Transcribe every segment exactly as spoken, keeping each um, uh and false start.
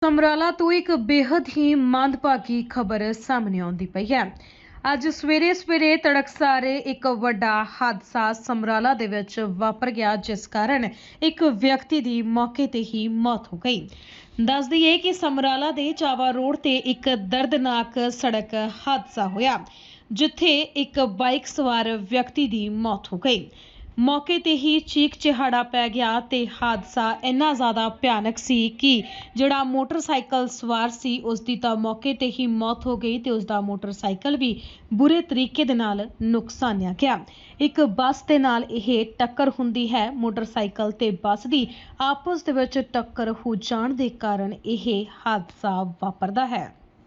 ਸਮਰਾਲਾ ਤੋਂ ਇੱਕ ਬੇहद ਹੀ ਮੰਦਭਾਗੀ ਖਬਰ ਸਾਹਮਣੇ ਆਉਂਦੀ ਪਈ ਹੈ। ਅੱਜ ਸਵੇਰੇ ਸਵੇਰੇ ਤੜਕਸਾਰੇ ਇੱਕ ਵੱਡਾ ਹਾਦਸਾ ਸਮਰਾਲਾ ਦੇ ਵਿੱਚ ਵਾਪਰ ਗਿਆ, ਜਿਸ ਕਾਰਨ ਇੱਕ ਵਿਅਕਤੀ ਦੀ ਮੌਕੇ ਤੇ ਹੀ ਮੌਤ ਹੋ ਗਈ। ਦੱਸ ਦਈਏ ਕਿ ਸਮਰਾਲਾ ਦੇ ਚਾਵਾ ਰੋਡ ਤੇ ਇੱਕ ਦਰਦਨਾਕ ਸੜਕ ਹਾਦਸਾ ਹੋਇਆ, ਜਿੱਥੇ ਇੱਕ ਬਾਈਕ ਸਵਾਰ ਵਿਅਕਤੀ ਦੀ ਮੌਤ ਹੋ ਗਈ। ਮੌਕੇ ਤੇ ਹੀ ਚੀਕ ਚਿਹਾੜਾ ਪੈ ਗਿਆ ਤੇ ਹਾਦਸਾ ਇੰਨਾ ਜ਼ਿਆਦਾ ਭਿਆਨਕ ਸੀ ਕਿ ਜਿਹੜਾ ਮੋਟਰਸਾਈਕਲ ਸਵਾਰ ਸੀ ਉਸ ਦੀ ਤਾਂ ਮੌਕੇ ਤੇ ਹੀ ਮੌਤ ਹੋ ਗਈ ਤੇ ਉਸ ਦਾ ਮੋਟਰਸਾਈਕਲ ਵੀ ਬੁਰੇ ਤਰੀਕੇ ਦੇ ਨਾਲ ਨੁਕਸਾਨਿਆ ਗਿਆ। ਇੱਕ ਬੱਸ ਦੇ ਨਾਲ ਇਹ ਟੱਕਰ ਹੁੰਦੀ ਹੈ। ਮੋਟਰਸਾਈਕਲ ਤੇ ਬੱਸ ਦੀ ਆਪਸ ਦੇ ਵਿੱਚ ਟੱਕਰ ਹੋ ਜਾਣ ਦੇ ਕਾਰਨ ਇਹ ਹਾਦਸਾ ਵਾਪਰਦਾ ਹੈ।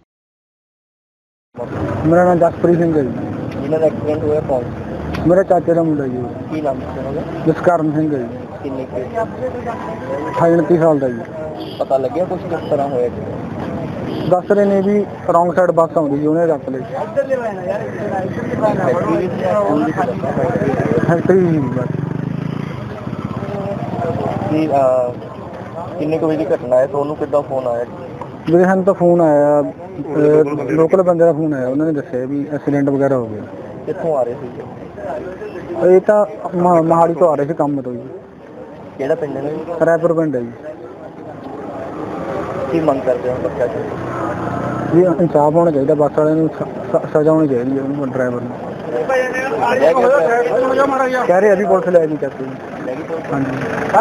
ਮੇਰਾ ਨਾਮ ਜਸਪ੍ਰੀਤ ਸਿੰਘ ਹੈ ਜੀ। ਜਿਹਨਾਂ ਦਾ ਐਕਸੀਡੈਂਟ ਹੋਇਆ ਕੌਣ? ਮੇਰੇ ਚਾਚੇ ਦਾ ਮੁੰਡਾ ਜੀ। ਕੀ ਨਾਮ ਸੀ ਉਹਨਾਂ ਦਾ? ਜਸਕਰਨ ਸਿੰਘ ਹੈ ਜੀ। ਕਿੰਨੇ ਕੁ? ਅਠਾਈ ਉਨੱਤੀ ਸਾਲ ਦਾ ਜੀ। ਪਤਾ ਲੱਗਿਆ ਕੁਝ ਕਿਸ ਤਰ੍ਹਾਂ ਹੋਇਆ ਜੀ? ਦੱਸ ਰਹੇ ਨੇ ਵੀ ਰੌਂਗ ਸਾਈਡ ਬੱਸ ਆਉਂਦੀ ਜੀ, ਉਹਨੇ ਰੱਖ ਲਈ ਫੈਕਟਰੀ ਜੀ ਬਸ। ਕੀ ਕਿੰਨੇ ਕੁ ਵਜੇ ਦੀ ਘਟਨਾ ਹੈ? ਤੁਹਾਨੂੰ ਕਿੱਦਾਂ ਫੋਨ ਆਇਆ ਜੀ? ਵੀਰੇ ਸਾਨੂੰ ਤਾਂ ਫੋਨ ਆਇਆ, ਲੋਕਲ ਬੰਦੇ ਦਾ ਫੋਨ ਆਇਆ, ਉਹਨਾਂ ਨੇ ਦੱਸਿਆ ਵੀ ਐਕਸੀਡੈਂਟ ਵਗੈਰਾ ਹੋ ਗਿਆ। ਕਿੱਥੋਂ ਆ ਰਹੇ ਸੀ? ਇਹ ਤਾਂ ਮ- ਮੋਹਾਲੀ ਤੋਂ ਆ ਰਹੇ ਸੀ ਕੰਮ ਤੋਂ ਜੀ। ਕਿਹੜਾ ਪਿੰਡ ਹੈ? ਰਾਏਪੁਰ ਪਿੰਡ ਹੈ ਜੀ। ਕੀ ਮੰਗ ਕਰਦੇ ਹੋ ਬੱਚਾ ਜੀ? ਜੀ ਇਨਸਾਫ ਹੋਣਾ ਚਾਹੀਦਾ, ਬੱਸ ਵਾਲਿਆਂ ਨੂੰ ਸ- ਸ- ਸਜ਼ਾ ਹੋਣੀ ਚਾਹੀਦੀ ਹੈ ਉਹਨੂੰ, ਡਰਾਈਵਰ ਨੂੰ। ਕਹਿ ਰਹੇ ਅਭੀ ਪੁਲਿਸ ਲੈ ਨਹੀਂ ਕਰਦੀ। ਹਾਂਜੀ।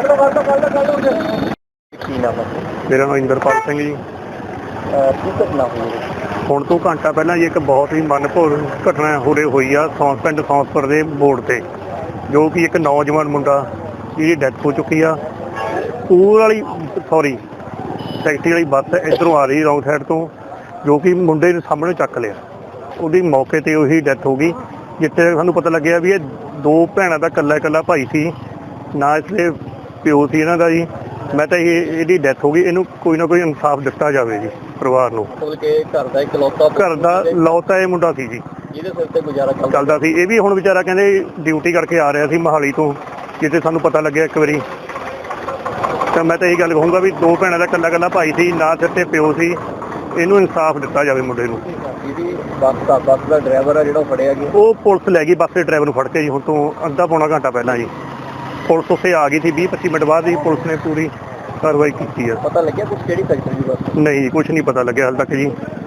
ਕੀ ਨਾਮ ਹੈ? ਮੇਰਾ ਨਾਮ ਇੰਦਰਪਾਲ ਸਿੰਘ ਜੀ। ਕੀ ਘਟਨਾ ਹੋਈ? ਹੁਣ ਤੋਂ ਘੰਟਾ ਪਹਿਲਾਂ ਜੀ ਇੱਕ ਬਹੁਤ ਹੀ ਮਨਭਾਉਣ ਘਟਨਾ ਹੋਰੇ ਹੋਈ ਆ ਸੌਂਸ ਪਿੰਡ ਸੌਂਸਪੁਰ ਦੇ ਮੋੜ ਤੇ, ਜੋ ਕਿ ਇੱਕ ਨੌਜਵਾਨ ਮੁੰਡਾ ਜਿਹਦੀ ਡੈਥ ਹੋ ਚੁੱਕੀ ਆ। ਪੂਰ ਵਾਲੀ ਸੌਰੀ ਟੈਕਸੀ ਵਾਲੀ ਬੱਸ ਇੱਧਰੋਂ ਆ ਰਹੀ ਰੌਂਗ ਸਾਈਡ ਤੋਂ, ਜੋ ਕਿ ਮੁੰਡੇ ਦੇ ਸਾਹਮਣੇ ਚੱਕ ਲਿਆ। ਉਹਦੀ ਮੌਕੇ ਤੇ ਉਹੀ ਡੈਥ ਹੋ ਗਈ। ਜਿੱਥੇ ਸਾਨੂੰ ਪਤਾ ਲੱਗਿਆ ਵੀ ਇਹ ਦੋ ਭੈਣਾਂ ਦਾ ਇਕੱਲਾ ਇਕੱਲਾ ਭਾਈ ਸੀ, ਨਾ ਇਸਦੇ ਪਿਓ ਸੀ ਇਹਨਾਂ ਦਾ ਜੀ। ਮੈਂ ਤਾਂ ਇਹ ਇਹਦੀ ਡੈਥ ਹੋ ਗਈ, ਇਹਨੂੰ ਕੋਈ ਨਾ ਕੋਈ ਇਨਸਾਫ ਦਿੱਤਾ ਜਾਵੇ ਜੀ ਪਰਿਵਾਰ ਨੂੰ। ਮਤਲਬ ਕਿ ਘਰ ਦਾ ਇਕਲੌਤਾ ਘਰ ਦਾ ਲੌਤਾ ਇਹ ਮੁੰਡਾ ਸੀ ਜੀ, ਜਿਹਦੇ ਸਿਰ ਤੇ ਗੁਜ਼ਾਰਾ ਚੱਲਦਾ ਚੱਲਦਾ ਸੀ। ਇਹ ਵੀ ਹੁਣ ਵਿਚਾਰਾ ਕਹਿੰਦੇ ਡਿਊਟੀ ਕਰਕੇ ਆ ਰਿਹਾ ਸੀ ਮੋਹਾਲੀ ਤੋਂ, ਜਿੱਥੇ ਸਾਨੂੰ ਪਤਾ ਲੱਗਿਆ ਇੱਕ ਵਾਰੀ। ਤਾਂ ਮੈਂ ਤਾਂ ਇਹੀ ਗੱਲ ਕਹੂੰਗਾ ਵੀ ਦੋ ਭੈਣਾਂ ਦਾ ਇਕੱਲਾ ਇਕੱਲਾ ਭਾਈ ਸੀ, ਨਾ ਸਿਰ ਤੇ ਪਿਓ ਸੀ। ਇਹਨੂੰ ਇਨਸਾਫ ਦਿੱਤਾ ਜਾਵੇ ਮੁੰਡੇ ਨੂੰ। ਜਿਹਦੀ ਬੱਸ ਦਾ ਬੱਸ ਦਾ ਡਰਾਈਵਰ ਆ ਜਿਹੜਾ ਉਹ ਫੜਿਆ ਗਿਆ? ਉਹ ਪੁਲਿਸ ਲੈ ਗਈ ਬੱਸ ਦੇ ਡਰਾਈਵਰ ਨੂੰ ਫੜ ਕੇ ਜੀ, ਹੁਣ ਤੋਂ ਅੱਧਾ ਪੌਣਾ ਘੰਟਾ ਪਹਿਲਾਂ ਜੀ। ਪੁਲਿਸ ਉੱਥੇ ਆ ਗਈ ਸੀ, ਵੀਹ ਪੱਚੀ ਮਿੰਟ ਬਾਅਦ ਹੀ ਪੁਲਿਸ ਨੇ ਪੂਰੀ ਕਾਰਵਾਈ ਕੀਤੀ ਹੈ। ਪਤਾ ਲੱਗਿਆ ਕੁਝ ਕਿਹੜੀ ਫੈਕਟਰੀ ਦੀ ਬੱਸ? ਨਹੀਂ, ਕੁਝ ਨਹੀਂ ਪਤਾ ਲੱਗਿਆ ਹਾਲੇ ਤੱਕ ਜੀ।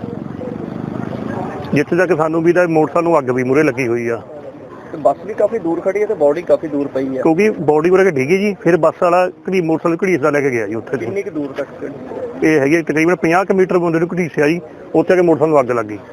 ਜਿੱਥੇ ਤੱਕ ਸਾਨੂੰ ਵੀ ਦਾ ਮੋਟਰਸਾਈਕਲ ਨੂੰ ਅੱਗ ਵੀ ਮੂਹਰੇ ਲੱਗੀ ਹੋਈ ਆ। ਤੇ ਬੱਸ ਵੀ ਕਾਫੀ ਦੂਰ ਖੜੀ ਹੈ ਤੇ ਬੋਡੀ ਕਾਫੀ ਦੂਰ ਪਈ ਹੈ, ਕਿਉਂਕਿ ਬੋਡੀ ਵਰਗਾ ਡਿੱਗੀ ਜੀ। ਫਿਰ ਬੱਸ ਵਾਲਾ ਘੜੀ ਮੋਟਰਸਾਈਕਲ ਘੜੀਸਦਾ ਲੈ ਕੇ ਗਿਆ ਜੀ ਉੱਥੇ ਦੀ। ਕਿੰਨੀ ਕੁ ਦੂਰ ਤੱਕ? ਇਹ ਹੈਗੀ ਤਕਰੀਬਨ ਪੰਜਾਹ ਕੁ ਮੀਟਰ ਬੰਦੇ ਨੂੰ ਘੜੀਸਿਆ ਜੀ, ਉੱਥੇ ਆ ਕੇ ਮੋਟਰਸਾਈਕਲ ਨੂੰ ਅੱਗ ਲੱਗ ਗਈ।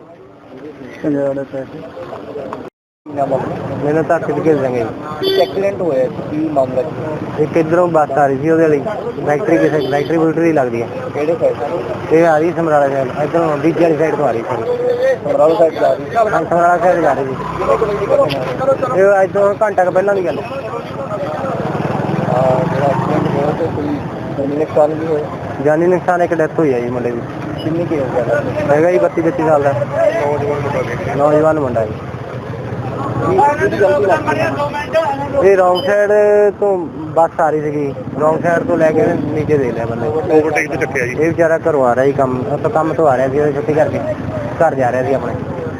ਮੈਨੂੰ ਤਾਂ ਅੱਖ ਦਿਖੇ ਜਾਂਗੇ। ਐਕਸੀਡੈਂਟ ਹੋਇਆ ਕੀ ਮਾਮਲਾ? ਇੱਕ ਇੱਧਰੋਂ ਬੱਸ ਆ ਰਹੀ ਸੀ, ਉਹਦੇ ਲਈ ਫੈਕਟਰੀ ਕਿਸੇ ਫੈਕਟਰੀ ਫੁਕਟਰੀ ਲੱਗਦੀ ਹੈ। ਕਿਹੜੇ ਸਾਈਡ? ਇਹ ਆ ਰਹੀ ਸਮਰਾਲਾ ਸਾਈਡ, ਇੱਧਰੋਂ ਬੀਜੇ ਵਾਲੀ ਸਾਈਡ ਤੋਂ ਆ ਰਹੀ ਸੀ। ਸਮਰਾਲਾ ਸਾਈਡ ਜਾ ਰਹੀ? ਹਾਂ, ਸਮਰਾਲਾ ਸਾਈਡ ਜਾ ਰਹੀ ਸੀ। ਕਿੰਨੇ ਕੁ ਵਜੇ ਦੀ ਘਟਨਾ ਹੈ? ਇਹ ਅੱਜ ਤੋਂ ਘੰਟਾ ਕੁ ਪਹਿਲਾਂ ਦੀ ਗੱਲ ਹੈ। ਜਿਹੜਾ ਐਕਸੀਡੈਂਟ ਹੋਇਆ ਤੇ ਕੋਈ ਜਾਨੀ ਨੁਕਸਾਨ ਵੀ ਹੋਇਆ? ਜਾਨੀ ਨੁਕਸਾਨ ਇੱਕ ਡੈਥ ਹੋਈ ਹੈ ਜੀ ਮੁੰਡੇ ਦੀ। ਕਿੰਨੀ ਕੁ ਏਜ ਹੈ? ਹੈਗਾ ਜੀ ਬੱਤੀ ਬੱਤੀ ਸਾਲ ਦਾ ਨੌਜਵਾਨ ਮੁੰਡਾ ਜੀ। ਕਿਹਦੀ ਗਲਤੀ ਲੱਗਦੀ ਹੈ? ਇਹ ਰੌਂਗ ਸਾਈਡ ਤੋਂ ਬੱਸ ਆ ਰਹੀ ਸੀਗੀ, ਰੌਂਗ ਸਾਈਡ ਤੋਂ ਲੈ ਕੇ ਨੀਚੇ ਦੇ ਲਿਆ ਬੰਦੇ। ਓਵਰਟੇਕ ਤੇ ਚੱਕਿਆ ਜੀ। ਇਹ ਵਿਚਾਰਾ ਘਰੋਂ ਆ ਰਿਹਾ ਸੀ, ਕੰਮ ਆਪਾਂ ਕੰਮ ਤੋਂ ਆ ਰਿਹਾ ਸੀ, ਛੁੱਟੀ ਕਰਕੇ ਘਰ ਜਾ ਰਿਹਾ ਸੀ ਆਪਣੇ।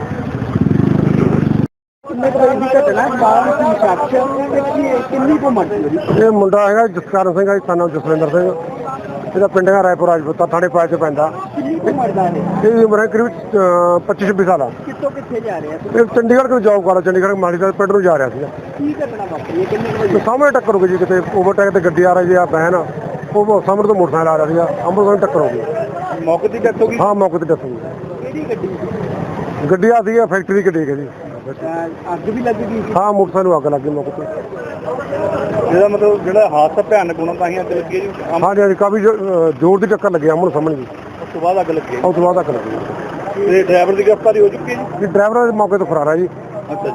ਕਿੰਨੇ ਕੁ ਵਜੇ ਦੀ ਘਟਨਾ? ਬਾਹਰ ਦੀ ਸ਼ਖਸ ਕਿੰਨੀ ਕੁ ਉਮਰ ਸੀ? ਇਹ ਮੁੰਡਾ ਹੈਗਾ ਜਸਕਰਨ ਸਿੰਘ ਹੈ, ਸਾਨੂੰ ਜਸਵਿੰਦਰ ਸਿੰਘ। ਇਹਦਾ ਪਿੰਡ ਹੈ ਰਾਏਪੁਰ ਰਾਜਪੂਤਾ, ਥਾਣੇ ਪਾਏ 'ਚ ਪੈਂਦਾ। ਕਿੰਨੀ ਕੁ ਉਮਰ ਦਾ ਹੈ? ਇਹਦੀ ਉਮਰ ਹੈ ਕਰੀਬ ਪੱਚੀ ਛੱਬੀ ਸਾਲ ਆ। ਕਿੱਥੋਂ ਕਿੱਥੇ ਜਾ ਰਿਹਾ ਸੀ? ਇਹ ਚੰਡੀਗੜ੍ਹ ਤੋਂ ਜੌਬ ਕਰਦਾ, ਚੰਡੀਗੜ੍ਹ ਮਾਲੀ ਦਾ ਪਿੰਡ ਨੂੰ ਜਾ ਰਿਹਾ ਸੀਗਾ। ਕੀ ਘਟਨਾ ਵਾਪਰੀ ਹੈ? ਕਿੰਨੇ ਕੁ ਤੇ ਵਜੇ? ਸਾਹਮਣੇ ਟੱਕਰ ਹੋ ਗਈ ਜੀ, ਕਿਤੇ ਓਵਰਟੇਕ ਤੇ ਗੱਡੀ ਆ ਰਹੀ ਜੀ, ਆ ਬਹਿਨ ਉਹ ਸਾਹਮਣੇ ਤੋਂ ਮੋਟਰਸਾਈਕਲ ਆ ਰਿਹਾ ਸੀਗਾ, ਅੰਮ੍ਰਿਤਸਰ ਟੱਕਰ ਹੋ ਗਈ। ਮੌਕੇ ਦੀ ਡੈਥ ਹੋ ਗਈ? ਹਾਂ, ਮੌਕੇ ਤੇ ਦੱਸੋ। ਕਿਹੜੀ ਗੱਡੀ ਸੀ? ਗੱਡੀ ਆ ਸੀ ਫੈਕਟਰੀ ਦੀ ਗੱਡੀ ਹੈ ਜੀ। ਅੱਗ ਵੀ ਲੱਗ ਗਈ? ਹਾਂ, ਮੋਟਰਸਾਈਕਲ ਨੂੰ ਅੱਗ ਲੱਗ ਗਈ ਮੌਕੇ ਤੇ। ਜਿਹਦਾ ਮਤਲਬ ਜਿਹੜਾ ਹਾਦਸਾ ਭਿਆਨਕ ਹੋਣਾ ਤਾਂ ਹੀ ਅੱਗ ਲੱਗੀ ਜੀ। ਹਾਂਜੀ ਹਾਂਜੀ, ਕਾਫੀ ਜ਼ੋ- ਜ਼ੋਰ ਦੀ ਟੱਕਰ ਲੱਗੀ ਆਮਣ ਸਾਹਮਣੇ ਜੀ। ਉਸ ਤੋਂ ਬਾਅਦ ਅੱਗ ਲੱਗੀ। ਉਸ ਤੋਂ ਬਾਅਦ ਅੱਗ ਲੱਗੀ। ਤੇ ਡਰਾਈਵਰ ਦੀ ਗ੍ਰਿਫਤਾਰੀ ਹੋ ਚੁੱਕੀ ਹੈ ਜੀ। ਡਰਾਈਵਰ ਮੌਕੇ ਤੋਂ ਫਰਾਰ ਹੈ ਜੀ। ਅੱਛਾ।